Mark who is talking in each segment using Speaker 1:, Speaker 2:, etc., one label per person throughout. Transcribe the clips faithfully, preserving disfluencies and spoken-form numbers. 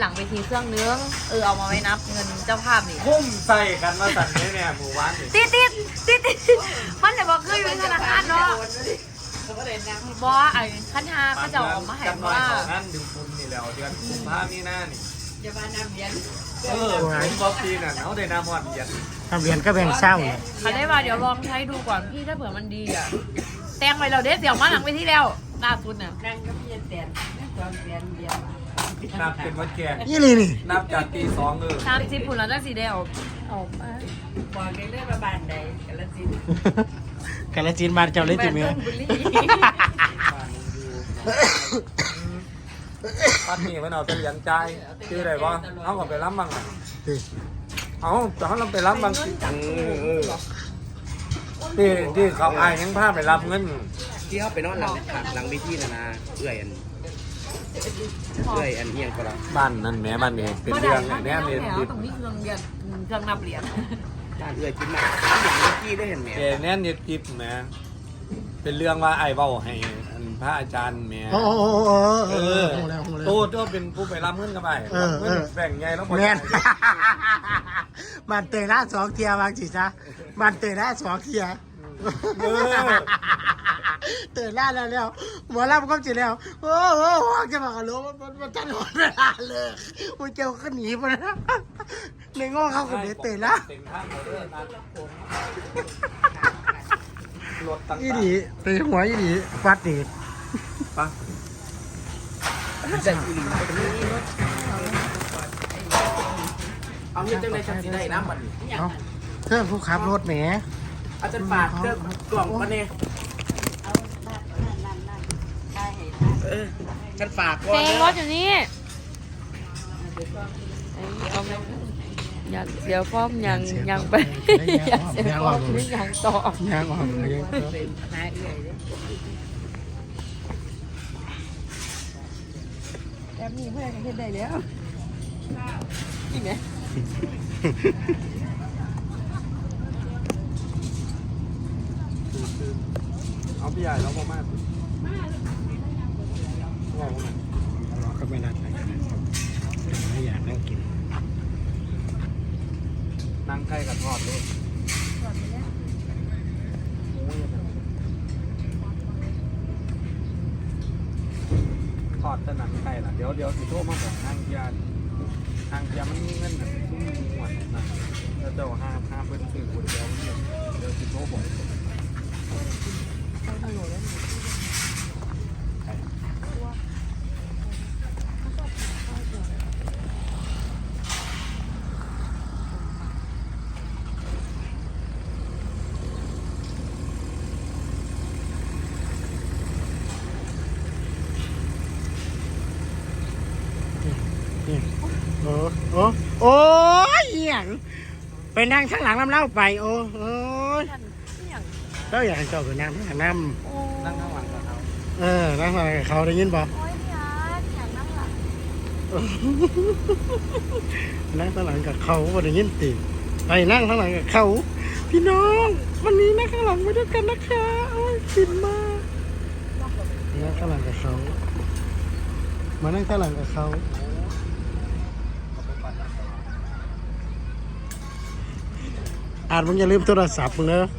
Speaker 1: หลังเวทีเครื่องนึงเออเอามาไว้นับเงินเจ้าภาพนี่
Speaker 2: พุ่มใส่กันมาสั่นเนี่ยเนี่ยหมู่บ้านนี่
Speaker 1: ติดติดติดติดมันจะบอกคืออยู่ธนาคารเนาะบอไอ้ขั้นหาเขาจะออกมาให้ว่า
Speaker 2: งั้นดึงคุณนี่แล้วเดือนกุมภาพันธ์นี่หน้านี่
Speaker 3: อย่ามานำเย็น
Speaker 2: เออผมบอกปีน่ะเขาได้น้ำหอดเย็น
Speaker 4: ทำเรียนก็แบ่งเศร้าเลย
Speaker 1: เขาได้ว่าเดี๋ยวลองใช้ดูก่อนพี่ถ้าเผื่อมันดีอ่ะแต่งไปเราเด็ดเดี๋ยวมาหลังเวทีแล้วล่าสุดน่ะ
Speaker 3: นั่งก็พี่แตนตอนแตนเดียว
Speaker 2: นับเป็นวันแก่
Speaker 4: นี่เลยนี่
Speaker 2: นับจากตีสองเออ
Speaker 1: สามสิบปุ่นแล้วได้สีเดียวออกมา
Speaker 3: บอกได้เรื่องประบานใดกันละสิ
Speaker 4: กันละจีนมาเจ้าเลยจีเมีย
Speaker 2: ปัดนี่มันเอาไปเลี้ยงใจชื่ออะไรวะเขาก็ไปรับบ้างเอาแต่เขาเราไปรับบ้างที่ที่เขาอายยังพาไปรับเงิน
Speaker 5: ที่เขาไปนอนหลังหลังวิธีนะนะเอื่อยอันเอื่อยอันเอียงก็แล้ว
Speaker 2: บ้านนั่นแม่บ้านนี่เป็นเรื่องแน่เรียน
Speaker 1: ดิบตรงนี้เครื่องเรียนเครื่องนับเหรียญ
Speaker 5: บ้านเอื่อยกินมากอย่างวิธีได้เห็นไหม
Speaker 2: แกแน่เรียนดิบแม่เป็นเรื่องว่าไอ้เบ้าให้พระอาจารย์แม่
Speaker 4: โอ้โหเออ
Speaker 2: โตโตเป็นผู้ไปรับเงินกันไปเงินแบ่งไงแล้ว
Speaker 4: แม่มันเตยหน้าสองเทียบางจีจ้ะมันเตยหน้าสองเทียเตยหน้าแล้วแล้วหมอรับก็จีแล้วโอ้โหจะมากระโลมันมันจันหอนเวลาเลยมันเจ้าก็หนีไปนะในง้อเขาคนนี้เตยละอีดีเตยหัวอีดีฟัดดี
Speaker 2: ปะ
Speaker 5: เอาเงินจังเลยจังสิได้น้ำมัน
Speaker 4: เอาเพื่อนผู้ขับรถแหม
Speaker 5: อาจารย์ฝากเรื่องกล่องมาเนี่ยเออกันฝาก
Speaker 1: เพลงรถอยู่นี่อยากเสียฟอมยังยังไปอยากเสียฟอมไม่ยังต่อ
Speaker 4: ยังออกเลย
Speaker 1: แบบนี้เพื่อนกันเห็นได้แล้วนี่ไหม
Speaker 2: เอาพี่ใหญ่แล้วพ่อแม่
Speaker 4: ก็ไม่นัดอะไรกันไม่อยากนั่งกิน
Speaker 2: นั่งใกล้กับทอดด้วยทอดจะหนังไก่ละเดี๋ยวเดี๋ยวสิโทษมาบอกทางยาทางยามันมีเงินแบบทุ่มหมดนะแล้วเจ้าห้าห้าเพิ่นซื้อคนเดียวเดี๋ยวสิโทษบอก
Speaker 4: โอ้โอ้โอ้ยอย่างไปนั่งข้างหลังน้ำเล่าไปโอ้โอ้ยแล้วอยากให้เจ้าไปนั่งข้างหลังน้
Speaker 2: ำนั่งข้างหลังกับเขา
Speaker 4: เออนั่งข้างหลังกับเขาได้ยินป่ะนั่งข้างหลังกับเขาก็ได้ยินติไปนั่งข้างหลังกับเขาพี่น้องวันนี้นั่งข้างหลังไปด้วยกันนะคะโอ้ยฟินมากนั่งข้างหลังกับเขามานั่งข้างหลังกับเขาอาจมึงอย่าลืมโทรศัพท์มึงเนอะ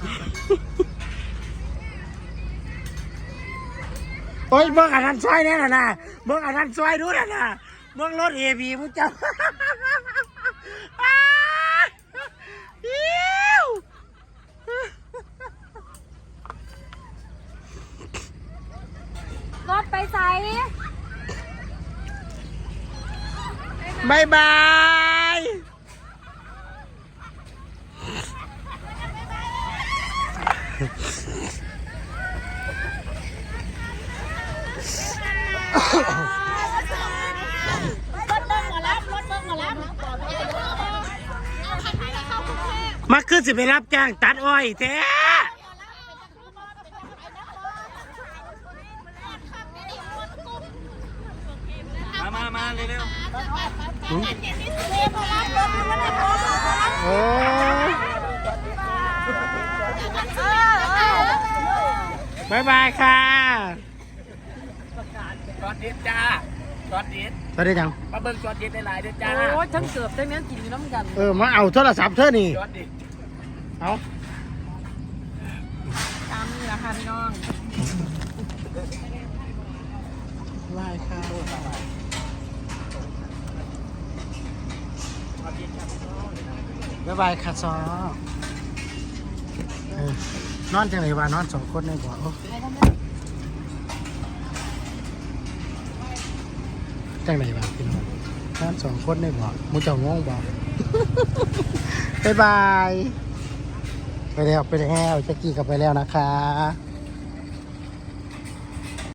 Speaker 4: โอ้ยเบิ่งอันนั้นซอยแน่น่ะนะเบิ่งอันนั้นซอยดูน่ะนะเบิ่งรถเอพีมึงจับ
Speaker 1: รถไปใส่
Speaker 4: บายบายมาขึ้นสิไปรับจ้างตัดอ้อยแท้
Speaker 2: มามามาเร็ว
Speaker 4: ๆโอ้บายบายค่ะ
Speaker 5: กอดดิสจ้ากอดดิส
Speaker 4: ไปได้ยัง
Speaker 5: มาเบิ่งจอดเย็นหลายๆเด้อจ้า
Speaker 1: โอ้ยทั้งเกือบทั้งนั้นกินอยู่น้ำกัน
Speaker 4: เออมาเอาโทรศัพท์เธอนี่
Speaker 5: จอดดิ
Speaker 4: เอา
Speaker 1: ตามนี่แหละค่ะพี่น้อง
Speaker 4: ไล่ข้าวบ๊ายบายค่ะซอเออนอนจังไหนวะนอนสองคนในบ่อโอ้จังไหนวะพี่น้องนอนสองคนในบ่อมูเจ้างงบ่ บ๊ายบาย ไปแล้วไปแล้วจะกี้กลับไปแล้วนะคะ